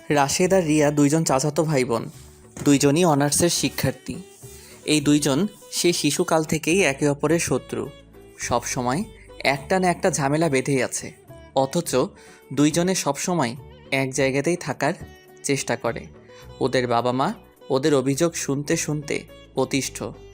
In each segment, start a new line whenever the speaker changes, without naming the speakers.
রাশেদ আর রিয়া দুইজন চাচাতো ভাই বোন। দুইজনই অনার্সের শিক্ষার্থী। এই দুইজন সেই শিশুকাল থেকেই একে অপরের শত্রু। সব সময় একটা না একটা ঝামেলা বেঁধেই আছে, অথচ দুইজনে সবসময় এক জায়গাতেই থাকার চেষ্টা করে। ওদের বাবা মা ওদের অভিযোগ শুনতে শুনতে অতিষ্ঠ।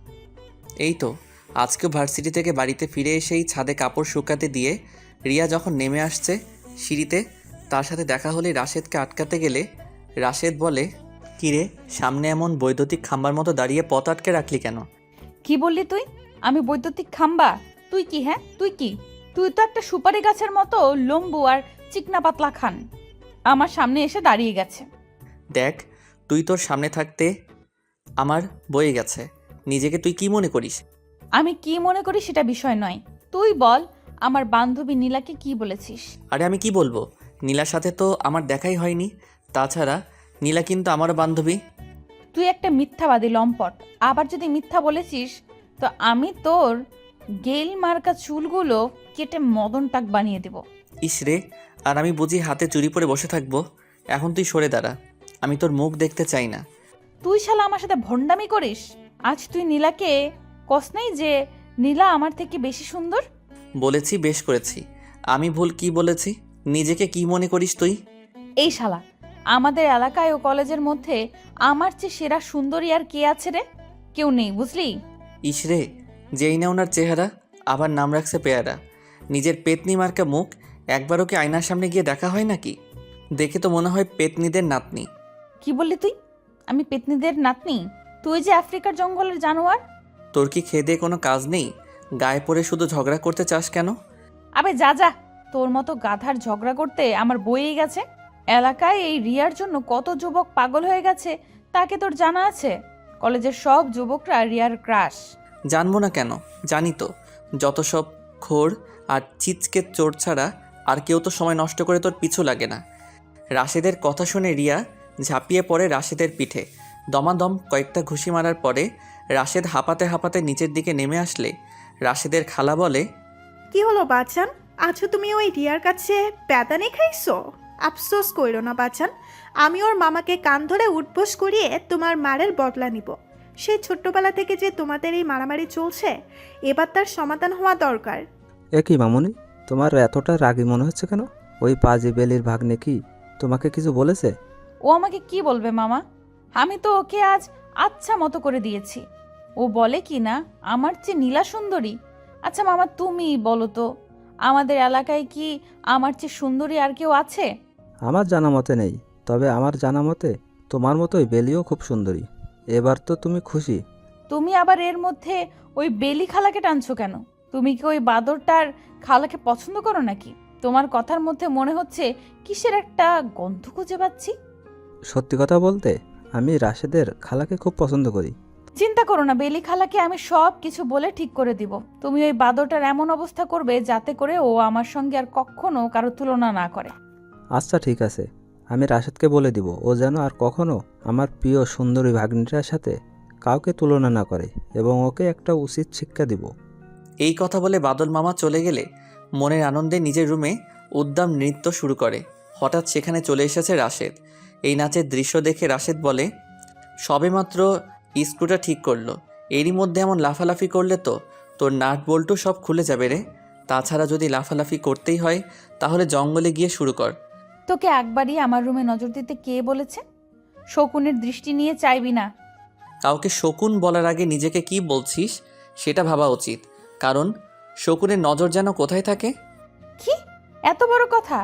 এই তো আজকেও ভার্সিটি থেকে বাড়িতে ফিরে এসেই ছাদে কাপড় শুকাতে দিয়ে রিয়া যখন নেমে আসছে সিঁড়িতে, তার সাথে দেখা হলে রাশেদকে আটকাতে গেলে রাশেদ বলে, কিরে সামনে এমন বৈদ্যুতিক খাম্বার মতো দাঁড়িয়ে পথ আটকে রাখলি কেন?
কি বললি তুই? আমি বৈদ্যুতিক খাম্বা? তুই কি? হ্যাঁ তুই কি? তুই তো একটা সুপারি গাছের মতো লম্বু আর চিকনা পাতলা খান, আমার সামনে এসে দাঁড়িয়ে গেছে।
দেখ, তুই তোর সামনে থাকতে আমার বয়ে গেছে। নিজেকে তুই কি মনে করিস?
আমি কি মনে করি সেটা বিষয় নয়, তুই বল আমার বান্ধবী নীলাকে কি বলেছিস?
আরে আমি কি বলবো, নীলার সাথে তো আমার দেখাই হয়নি। তাছাড়া নীলা কিন্তু আমারও বান্ধবী।
তুই একটা মিথ্যাবাদী লম্পট। আবার যদি মিথ্যা বলেছিস তো আমি তোর গেল মার্কা চুলগুলো কেটে মদন টাক বানিয়ে দেব।
ইস রে, আর আমি বুঝি হাতে চুরি পরে বসে থাকবো? এখন তুই সরে দাঁড়া, আমি তোর মুখ দেখতে চাই না।
তুই শালা আমার সাথে ভণ্ডামি করিস? আজ তুই নীলাকে কস নাই যে নীলা আমার থেকে বেশি সুন্দর?
বলেছি, বেশ করেছি। আমি ভুল কি বলেছি? নিজেকে কি মনে করিস তুই?
এই শালা, আমাদের এলাকায় ও কলেজের মধ্যে আমার চেয়ে সেরা সুন্দরী আর কে আছে রে? কেউ নেই, বুঝলি?
ইস রে, যেই না ওনার চেহারা, আবার নাম রাখছে পেয়ারা। নিজের পেতনি মার্কা মুখ একবারও কি আয়নার সামনে গিয়ে দেখা হয় নাকি? দেখে তো মনে হয় পেতনিদের নাতনি।
কি বললি তুই? আমি পেতনিদের নাতনি? তুই যে আফ্রিকার জঙ্গলের জানোয়ার।
তোর কি খেয়ে দিয়ে কোনো কাজ নেই? গায়ে পড়ে শুধু ঝগড়া করতে চাস কেন?
আবে যা যা, তোর মতো গাধার ঝগড়া করতে আমার বইয়েই গেছে। এলাকায় এই রিয়ার জন্য কত যুবক পাগল হয়ে গেছে তাকে তোর জানা আছে? কলেজের সব যুবকরা রিয়ার ক্রাশ।
জানবো না কেন, জানি তো। যত সব খোর আর চিচকে চোর ছাড়া আর কেউ তো সময় নষ্ট করে তোর পিছু লাগে না। রাশেদের কথা শুনে রিয়া ঝাঁপিয়ে পড়ে রাশেদের পিঠে। দমাদম কয়েকটা ঘুষি মারার পরে রাশেদ হাঁপাতে হাঁপাতে নিচের দিকে নেমে আসলে রাশেদের খালা বলে,
কি হলো বাচান? আছো তুমি ওই রিয়ার কাছে প্যাদানি খাইছো? আফসোস কইরো না বাচান, আমি ওর মামাকে কান ধরে উঠবোস করিয়ে তোমার মারের বদলা নিব। সেই ছোট্টবেলা থেকে যে তোমাদের এই মারামারি চলছে, এবার তার সমাধান হওয়া দরকার।
কি মামুনি, তোমার এতটা রাগী মনে হচ্ছে কেন? ওই পাজি বেলির ভাগ্নে কি তোমাকে কিছু বলেছে?
ও আমাকে কি বলবে মামা? আমি তো ওকে আজ আচ্ছা মতো করে দিয়েছি। ও বলে কি না আমার চেয়ে নীলা সুন্দরী। আচ্ছা মামা তুমি বলো তো, আমাদের এলাকায় কি আমার চেয়ে সুন্দরী আর কেউ আছে?
আমার জানা মতে নেই, তবে আমার জানা মতে তোমার মতোই বেলিও খুব সুন্দরী। এবার তো তুমি খুশি?
তুমি আবার এর মধ্যে ওই বেলি খালাকে টানছো কেন? তুমি কি ওই বাদরটার খালাকে পছন্দ করো নাকি? তোমার কথার মধ্যে মনে হচ্ছে কিসের একটা গন্ধ খুঁজে পাচ্ছি।
সত্যি কথা বলতে, আমি রাশেদের খালাকে খুব পছন্দ করি।
চিন্তা করো না, বেলি খালাকে আমি সব কিছু বলে ঠিক করে দিব। তুমি ওই বাদরটার এমন অবস্থা করবে যাতে করে ও আমার সঙ্গে আর কখনো কারো তুলনা না করে।
আচ্ছা ঠিক আছে, আমি রাশেদকে বলে দিব ও যেন আর কখনো আমার প্রিয় সুন্দরী ভাগ্নিটার সাথে কাউকে তুলনা না করে, এবং ওকে একটা উচিত শিক্ষা দিব।
এই কথা বলে বাদল মামা চলে গেলে মনের আনন্দে নিজের রুমে উদ্দাম নৃত্য শুরু করে। হঠাৎ সেখানে চলে এসেছে রাশেদ। এই নাচের দৃশ্য দেখে রাশেদ বলে, সবেমাত্র স্ক্রুটা ঠিক করলো, এরই মধ্যে এমন লাফালাফি করলে তো তোর নাট বল্টু সব খুলে যাবে রে। তাছাড়া যদি লাফালাফি করতেই হয় তাহলে জঙ্গলে গিয়ে শুরু কর।
তোকে একবারই আমার রুমে নজর দিতে কে বলেছে? শকুনের দৃষ্টি নিয়ে চাইবি না।
কাউকে শকুন বলার আগে নিজেকে কি বলছিস সেটা ভাবা উচিত, কারণ শকুনের নজর যেন কোথায় থাকে।
কি এত বড় কথা?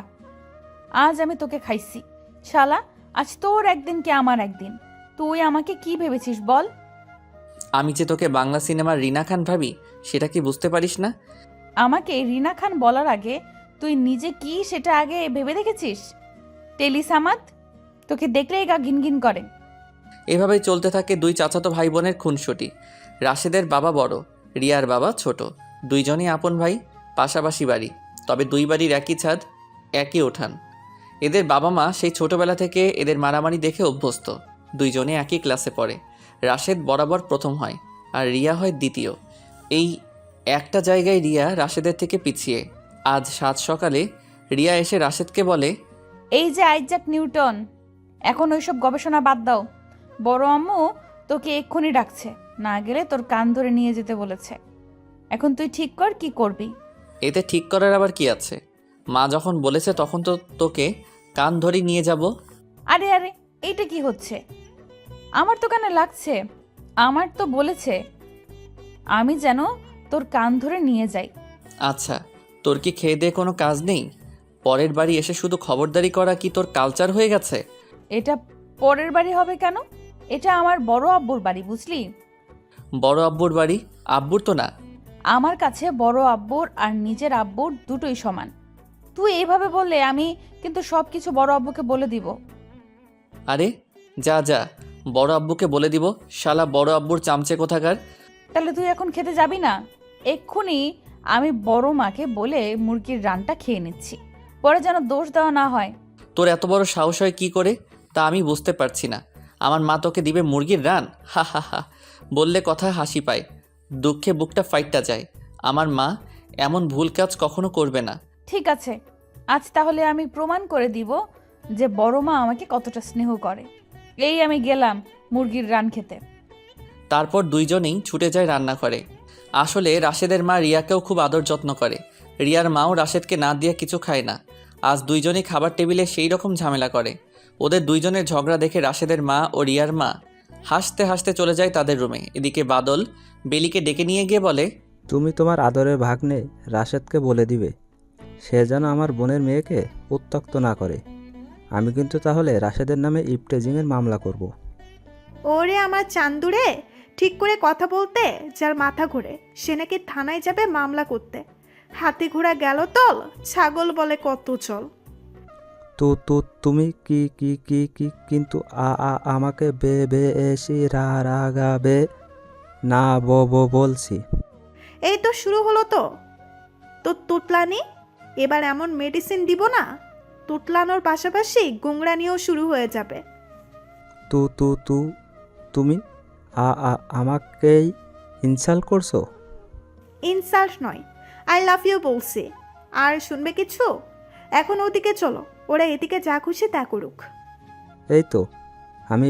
আজ আমি তোকে খাইছি শালা। আজ তোর একদিন কি আমার একদিন। তুই আমাকে কি ভেবেছিস বল?
আমি যে তোকে বাংলা সিনেমার রিনা খান ভাবি সেটা কি বুঝতে পারিস না?
আমাকে রিনা খান বলার আগে তুই নিজে কি সেটা আগে ভেবে দেখেছিস? টেলিসামাদ, তোকে দেখলেই গা ঘিনঘিন করে।
এভাবেই চলতে থাকে দুই চাচাতো ভাই বোনের খুনসুটি। রাশেদের বাবা বড়, রিয়ার বাবা ছোট। দুইজনই আপন ভাই, পাশাপাশি বাড়ি, তবে দুই বাড়ির একই ছাদ, একই ওঠান। এদের বাবা মা সেই ছোটবেলা থেকে এদের মারামারি দেখে অভ্যস্ত। দুইজনে একই ক্লাসে পড়ে। রাশেদ বরাবর প্রথম হয় আর রিয়া হয় দ্বিতীয়। এই একটা জায়গায় রিয়া রাশেদের থেকে পিছিয়ে। আজ সাত সকালে রিয়া এসে রাশেদকে বলে,
এই যে আইজাক নিউটন, এখন ওইসব গবেষণা বাদ দাও। বড় আম্মু তোকে এক্ষুনি ডাকছে, না গেলে তোর কান ধরে নিয়ে যেতে বলেছে। এখন তুই ঠিক কর কি করবি।
এতে ঠিক করার আবার কি আছে? মা যখন বলেছে তখন তো তোকে কান ধরে নিয়ে যাব।
আরে আরে, এইটা কি হচ্ছে? আমার তো কানে লাগছে। আমার তো বলেছে আমি যেন তোর কান ধরে নিয়ে যাই।
আচ্ছা, তোর কি খেয়ে দিয়ে কোনো কাজ নেই? পরের বাড়ি এসে শুধু খবরদারি করা কি তোর কালচার হয়ে গেছে?
এটা পরের বাড়ি হবে কেন? এটা আমার বড় আব্বুর বাড়ি, বুঝলি?
বড় আব্বুর বাড়ি? আব্বুর তো না।
আমার কাছে বড় আব্বুর আর নিজের আব্বুর দুটোই সমান। তুই এইভাবে বললে আমি কিন্তু সব কিছু বড় আব্বুকে বলে দিব।
আরে যা যা, বড় আব্বুকে বলে দিব। শালা বড় আব্বুর চামচে কোথাকার।
তাহলে তুই এখন খেতে যাবি না? এক্ষুনি আমি বড় মাকে বলে মুরগির রানটা খেয়ে নিচ্ছি, পরে যেন দোষ দেওয়া না হয়।
তোর এত বড় সাহস হয় কি করে তা আমি বুঝতে পারছি না। আমার মা তোকে দিবে মুরগির রান? হা হা হা, বললে কথায় হাসি পায়, দুঃখে বুকটা ফাইটটা যায়। আমার মা এমন ভুল কাজ কখনো করবে না।
ঠিক আছে, আজ তাহলে আমি প্রমাণ করে দিব যে বড় মা আমাকে কতটা স্নেহ করে। এই আমি গেলাম মুরগির রান খেতে।
তারপর দুইজনেই ছুটে যায় রান্নাঘরে। আসলে রাশেদের মা রিয়াকেও খুব আদর যত্ন করে। রিয়ার মাও রাশেদকে না দিয়ে কিছু খায় না। আজ দুইজনেই খাবার টেবিলে সেই রকম ঝামেলা করে। ওদের দুইজনের ঝগড়া দেখে রাশেদের মা ও রিয়ার মা হাসতে হাসতে চলে যায় তাদের রুমে। এদিকে বাদল বেলিকে ডেকে নিয়ে গিয়ে বলে,
তুমি তোমার আদরের ভাগ্নে রাশেদকে বলে দিবে সে যেন আমার বোনের মেয়েকে উত্ত্যক্ত না করে। আমি কিন্তু তাহলে রাশেদের নামে ইপটেজিংয়ের মামলা করব।
ওরে আমার চান্দুরে, ঠিক করে কথা বলতে যার মাথা ঘোরে সে নাকি থানায় যাবে মামলা করতে। হাতি ঘোড়া গেল তল, ছাগল বলে কত চল।
তুমি কি কি কি কি কিন্তু আমাকে বেশি রাগাবে না বলছি।
এই তো শুরু হলো তো তুতলানি। এবার এমন মেডিসিন দিব না, তুতলানোর পাশাপাশি গুংরানিও শুরু হয়ে যাবে।
তুমি আমাকেই ইনসাল্ট করছো?
ইনসাল্ট নয়, আই লাভ ইউ বলছি। আর শুনবে কিছু? এখন ওদিকে চলো, ওরা এদিকে যা খুশি তা করুক।
এই তো আমি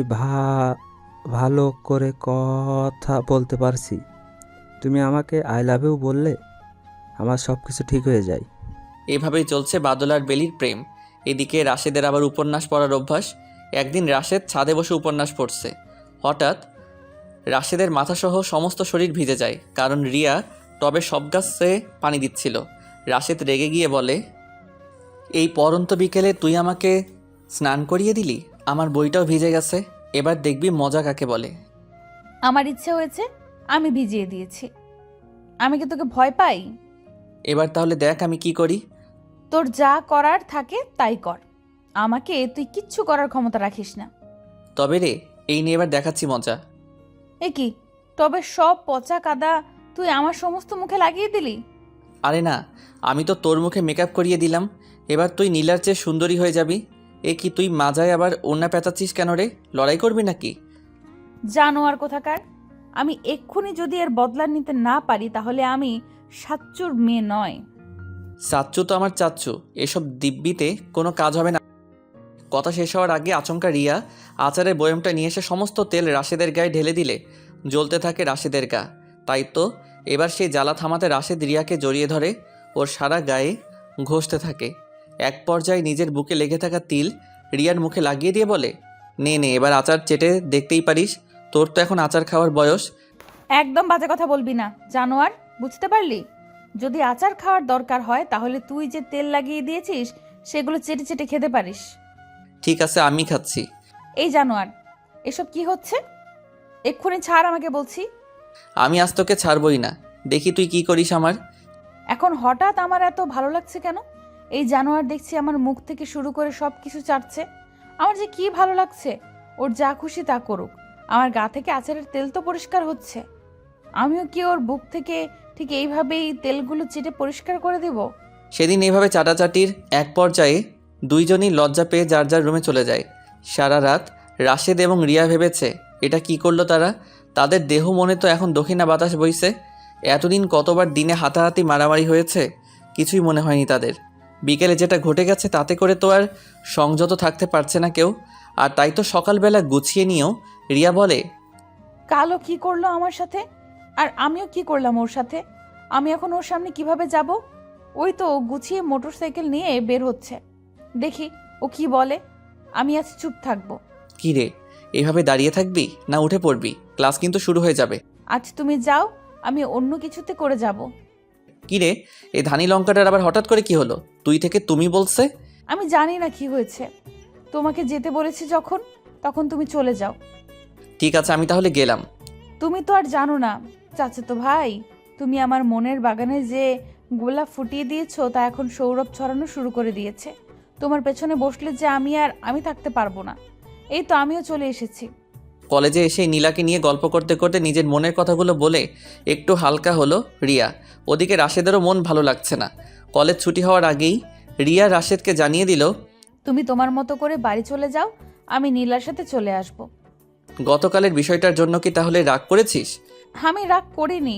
ভালো করে কথা বলতে পারছি। তুমি আমাকে আই লাভ ইউ বললে আমার সব কিছু ঠিক হয়ে যায়।
এভাবেই চলছে বাদল আর বেলির প্রেম। এদিকে রাশেদের আবার উপন্যাস পড়ার অভ্যাস। একদিন রাশেদ ছাদে বসে উপন্যাস পড়ছে। হঠাৎ রাশেদের মাথাসহ সমস্ত শরীর ভিজে যায়, কারণ রিয়া টবে সব গাছে পানি দিচ্ছিল। রাশেদ রেগে গিয়ে বলে, এই পরন্ত বিকেলে তুই আমাকে স্নান করিয়ে দিলি, আমার বইটাও ভিজে গেছে। এবার দেখবি মজা কাকে বলে।
আমার ইচ্ছে হয়েছে, আমি ভিজিয়ে দিয়েছি। আমি কি তোকে ভয় পাই?
এবার তাহলে দেখ আমি কি করি।
তোর যা করার থাকে তাই কর, আমাকে তুই কিচ্ছু করার ক্ষমতা রাখিস না।
তবে রে, এই নিয়ে এবার দেখাচ্ছি মজা।
এ কি, তবে সব পচা কাদা তুই আমার সমস্ত মুখে লাগিয়ে দিলি?
আরে না, আমি তো তোর মুখে মেকআপ করিয়ে দিলাম। এবার তুই নীলার চেয়ে সুন্দরী হয়ে যাবি। এ কি, তুই মাজায় আবার ওড়না পেঁচাচ্ছিস কেন রে? লড়াই করবি নাকি?
জানোয়ার কোথাকার! আমি এক্ষুনি যদি এর বদলা নিতে না পারি তাহলে আমি সাচ্চুর মেয়ে নয়।
চাচ্চু তো আমার চাচ্চু, এসব দিব্যিতে কোনো কাজ হবে না। কথা শেষ হওয়ার আগে আচমকা রিয়া আচারের বয়মটা নিয়ে এসে সমস্ত তেল রাশেদের গায়ে ঢেলে দিলে জ্বলতে থাকে রাশেদের গা। তাই তো এবার সেই জ্বালা থামাতে রাশেদ রিয়াকে জড়িয়ে ধরে, ওর সারা গায়ে ঘষতে থাকে। এক পর্যায়ে নিজের বুকে লেগে থাকা তিল রিয়ার মুখে লাগিয়ে দিয়ে বলে, নে নে, এবার আচার চেটে দেখতেই পারিস, তোর তো এখন আচার খাওয়ার বয়স।
একদম বাজে কথা বলবি না, জানোয়ার, বুঝতে পারলি? যদি আচার খাওয়ার দরকার হয় তাহলে তুই যে তেল লাগিয়ে দিয়েছিস সেগুলো চেটে চেটে খেতে পারিস।
ঠিক আছে, আমি খাচ্ছি।
এই জানোয়ার, এসব কি হচ্ছে? এক্ষুনি ছাড় আমাকে বলছি।
আমি আজ তোকে ছাড়বই না, দেখি তুই কি করিস আমার।
এখন হঠাৎ আমার এত ভালো লাগছে কেন? এই জানোয়ার দেখছি আমার মুখ থেকে শুরু করে সব কিছু চাটছে। আমার যে কি ভালো লাগছে। ওর যা খুশি তা করুক, আমার গা থেকে আচারের তেল তো পরিষ্কার হচ্ছে। আমিও কি ওর বুক থেকে ঠিক এইভাবেই তেলগুলো চেটে পরিষ্কার করে দেব?
সেদিন এভাবে চাটাচাটির এক পর্যায়ে দুইজনই লজ্জা পেয়ে যার যার রুমে চলে যায়। সারা রাত রাশেদ এবং রিয়া ভেবেছে এটা কি করলো তারা। তাদের দেহ মনে তো এখন দক্ষিণা বাতাস বইছে। এতদিন কতবার দিনে হাতাহাতি মারামারি হয়েছে, কিছুই মনে হয়নি তাদের। বিকেলে যেটা ঘটে গেছে তাতে করে তো আর সংযত থাকতে পারছে না কেউ। আর তাই তো সকালবেলা গুছিয়ে নিয়েও রিয়া বলে,
কালো কি করলো আমার সাথে, আর আমিও কি করলাম ওর সাথে? আমি এখন ওর সামনে কিভাবে যাব? ওই তো গুছিয়ে মোটরসাইকেল নিয়ে বের হচ্ছে, দেখি ও কি বলে। আমি আজ চুপ থাকবো।
কি রে, এভাবে দাঁড়িয়ে থাকবি না উঠে পড়বি? ক্লাস কিন্তু শুরু হয়ে যাবে।
আজ তুমি যাও, আমি অন্য কিছুতে করে যাব।
কি রে, এই ধানি লঙ্কাটার আবার হঠাৎ করে কি হলো? তুই থেকে তুমি বলছে।
আমি জানি না কি হয়েছে, তোমাকে যেতে বলেছি যখন, তখন তুমি চলে যাও।
ঠিক আছে, আমি তাহলে গেলাম।
তুমি তো আর জানো না চাচাতো ভাই, তুমি আমার মনের বাগানে যে গোলাপ ফুটিয়ে দিয়েছো তা এখন সৌরভ ছড়ানো শুরু করে দিয়েছে। তোমার পেছনে বসলে যে আমি থাকতে পারবো না। এই তো আমিও চলে এসেছি।
কলেজে এসে নীলাকে নিয়ে গল্প করতে করতে নিজের মনের কথাগুলো বলে একটু হালকা হলো রিয়া। ওদিকে রাশেদেরও মন ভালো লাগছে না। কলেজ ছুটি হওয়ার আগেই রিয়া রাশেদকে জানিয়ে দিল,
তুমি তোমার মতো করে বাড়ি চলে যাও, আমি নীলার সাথে চলে আসব।
গতকালের বিষয়টার জন্য কি তাহলে রাগ করেছিস?
আমি রাগ করিনি,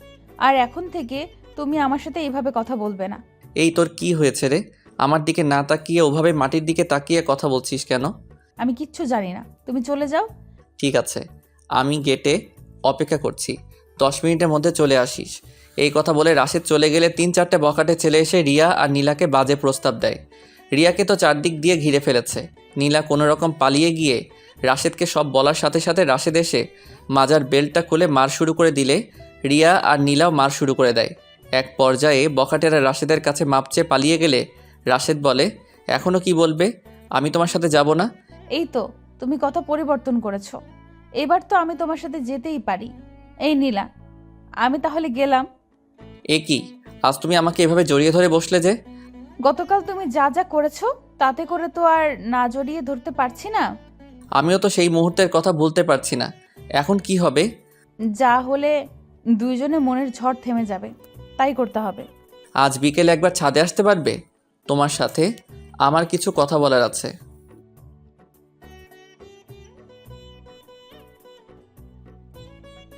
আর এখন থেকে তুমি আমার সাথে এইভাবে কথা বলবে না।
এই তোর কি হয়েছে রে? আমার দিকে না তাকিয়ে ওভাবে মাটির দিকে তাকিয়ে কথা বলছিস কেন?
আমি কিচ্ছু জানি না, তুমি চলে যাও।
ঠিক আছে, আমি গেটে অপেক্ষা করছি, 10 মিনিটের মধ্যে চলে আসিস। এই কথা বলে রাশেদ চলে গেলে 3-4টে বখাটে ছেলে এসে রিয়া আর নীলাকে বাজে প্রস্তাব দেয়। রিয়াকে তো চারদিক দিয়ে ঘিরে ফেলেছে। নীলা কোনো রকম পালিয়ে গিয়ে রাশেদকে সব বলার সাথে সাথে রাশেদ এসে মাজার বেল্টটা খুলে মার শুরু করে দিলে রিয়া আর নীলাও মার শুরু করে দেয়। এক পর্যায়ে বখাটেরা রাশেদের কাছে মাপ চেয়ে পালিয়ে গেলে রাশেদ বলে, এখনও কি বলবে? আমি তোমার সাথে যাব না।
এই তো তুমি কথা পরিবর্তন করেছো, এবার তো আমি তোমার সাথে যেতেই পারি। এই নীলা, আমি তাহলে গেলাম।
এ কি, আজ তুমি আমাকে এভাবে জড়িয়ে ধরে বসলে যে?
গতকাল তুমি যা যা করেছো তাতে করে তো আর না জড়িয়ে ধরতে পারছি না।
আমিও তো সেই মুহূর্তের কথা ভুলতে পারছি না। এখন কি হবে?
যা হলে দুইজনে মনের ঝড় থেমে যাবে, তাই করতে হবে।
আজ বিকেলে একবার ছাদে আসতে পারবে? তোমার সাথে আমার কিছু কথা বলার আছে।